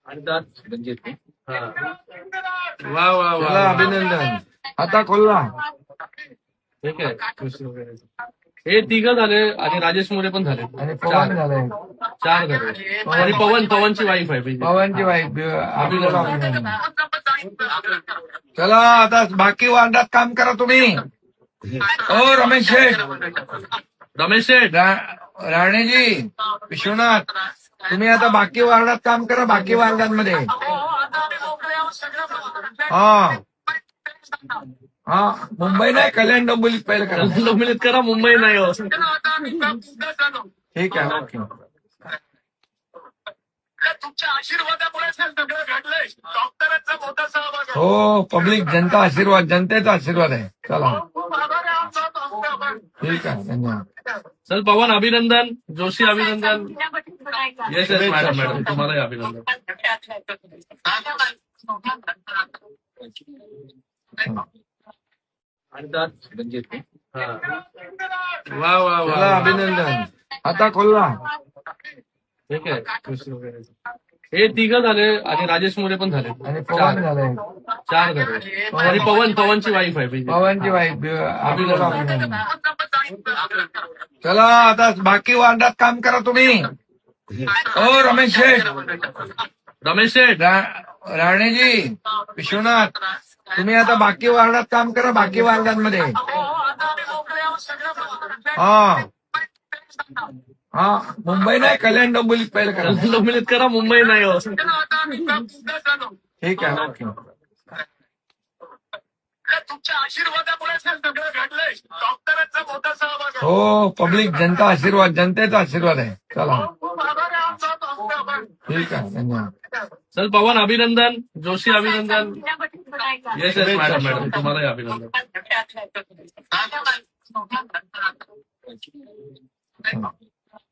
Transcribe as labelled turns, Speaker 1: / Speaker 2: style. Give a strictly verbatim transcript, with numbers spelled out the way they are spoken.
Speaker 1: आणि त्यात रणजित
Speaker 2: हा. वा वा वा
Speaker 3: चला
Speaker 2: वा.
Speaker 3: अभिनंदन. आता खोलला.
Speaker 2: ठीक आहे. हे तिघ झाले आणि राजेश मोरे पण झाले.
Speaker 3: आणि पवन झालंय.
Speaker 2: चार झाले. आणि पवन पवनची वाईफ आहे बीजेपी.
Speaker 3: पवनची वाईफ आपल्याला अभिनंदन. चला आता बाकी वार्डात काम करा तुम्ही. ओ रमेश शेठ,
Speaker 2: रमेश शेठ
Speaker 3: रा- राणेजी, विश्वनाथ, तुम्ही आता बाकी वार्डात काम करा. बाकी वार्डांमध्ये हा हा मुंबई नाही, कल्याण डोंबिवलीत पहिलं करा.
Speaker 2: डोंबिवलीत करा, मुंबई नाही हो.
Speaker 3: ठीक आहे. ओके.
Speaker 4: तुमच्या आशीर्वादामुळे सगळं घडलंय. डॉक्टरांचा मोठा सहभाग आहे.
Speaker 3: हो, पब्लिक जनता आशीर्वाद, जनतेचा आशीर्वाद आहे. चला
Speaker 4: खूप आभार आहे आमचा डॉक्टर.
Speaker 3: ठीक आहे. धन्यवाद.
Speaker 2: चल पवन अभिनंदन, जोशी अभिनंदन. येस येस मॅडम मॅडम तुम्हालाही अभिनंदन.
Speaker 1: आणि त्यात रणजित
Speaker 2: हा. वा वा वा
Speaker 3: चला
Speaker 2: वा.
Speaker 3: अभिनंदन. आता खोलला.
Speaker 2: ठीक आहे. हे तिघ झाले आणि राजेश मोरे पण झाले.
Speaker 3: आणि पवन झालंय.
Speaker 2: चार झाले. आणि पवन पवनची वाईफ आहे बीजेपी.
Speaker 3: पवनची वाईफ आपल्याला अभिनंदन. चला आता बाकी वार्डात काम करा तुम्ही. ओ रमेश शेठ,
Speaker 2: रमेश शेठ
Speaker 3: रा- राणेजी, विश्वनाथ, तुम्ही आता बाकी वार्डात काम करा. बाकी वार्डांमध्ये हा हा मुंबई नाही, कल्याण डोंबिवलीत पहिलं करा.
Speaker 2: डोंबिवलीत करा, मुंबई नाही हो.
Speaker 3: ठीक आहे. ओके.
Speaker 4: तुमच्या आशीर्वादामुळे सगळं घडलंय. डॉक्टरांचा मोठा सहभाग आहे.
Speaker 3: हो, पब्लिक जनता आशीर्वाद, जनतेचा आशीर्वाद आहे. चला
Speaker 4: खूप आभार आहे आमचा डॉक्टर.
Speaker 3: ठीक आहे. धन्यवाद.
Speaker 2: चल पवन अभिनंदन, जोशी अभिनंदन. येस येस मॅडम मॅडम तुम्हालाही अभिनंदन.
Speaker 3: हा.